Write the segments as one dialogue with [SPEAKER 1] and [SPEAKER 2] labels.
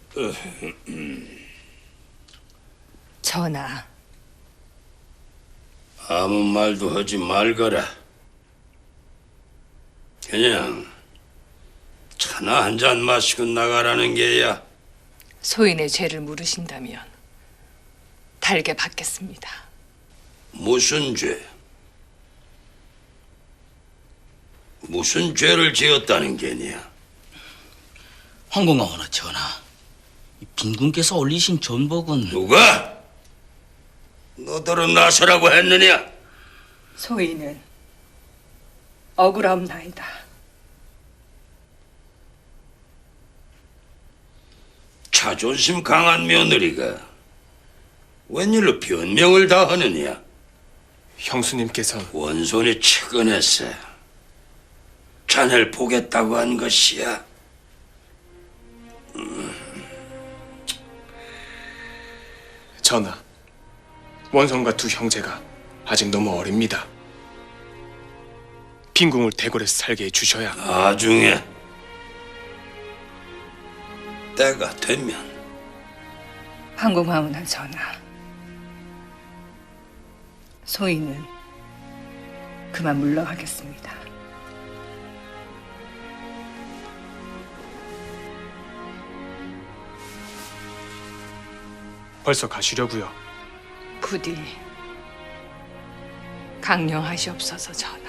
[SPEAKER 1] 전하,
[SPEAKER 2] 아무 말도 하지 말거라. 그냥 차나 한 잔 마시고 나가라는 게야.
[SPEAKER 1] 소인의 죄를 물으신다면 달게 받겠습니다.
[SPEAKER 2] 무슨 죄? 무슨 죄를 지었다는 게냐?
[SPEAKER 3] 황공하오나 전하, 이 빈군께서 올리신 전복은
[SPEAKER 2] 누가? 너더러 나서라고 했느냐?
[SPEAKER 1] 소인은 억울하옵나이다.
[SPEAKER 2] 자존심 강한 며느리가 웬일로 변명을 다 하느냐?
[SPEAKER 4] 형수님께서
[SPEAKER 2] 원손이 측은해서 자네를 보겠다고 한 것이야.
[SPEAKER 4] 전하, 원성과 두 형제가 아직 너무 어립니다. 빈궁을 대궐에서 살게 해주셔야.
[SPEAKER 2] 나중에 때가 되면.
[SPEAKER 1] 황공하오나 전하, 소인은 그만 물러가겠습니다.
[SPEAKER 4] 벌써 가시려고요.
[SPEAKER 1] 부디 강령하시옵소서 전하.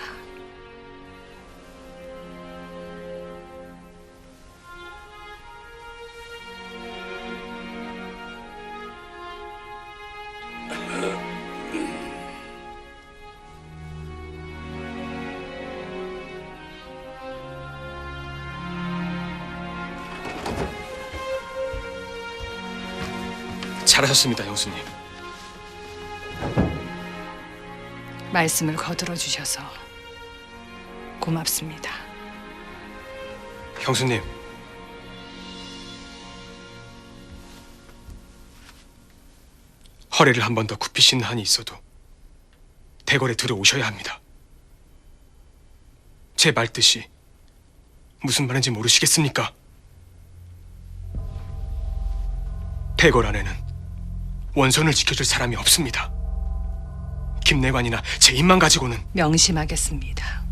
[SPEAKER 4] 잘하셨습니다, 형수님.
[SPEAKER 1] 말씀을 거들어 주셔서 고맙습니다.
[SPEAKER 4] 형수님, 허리를 한 번 더 굽히시는 한이 있어도 대궐에 들어오셔야 합니다. 제 말뜻이 무슨 말인지 모르시겠습니까? 대궐 안에는 원선을 지켜줄 사람이 없습니다. 김내관이나 제 입만 가지고는.
[SPEAKER 1] 명심하겠습니다.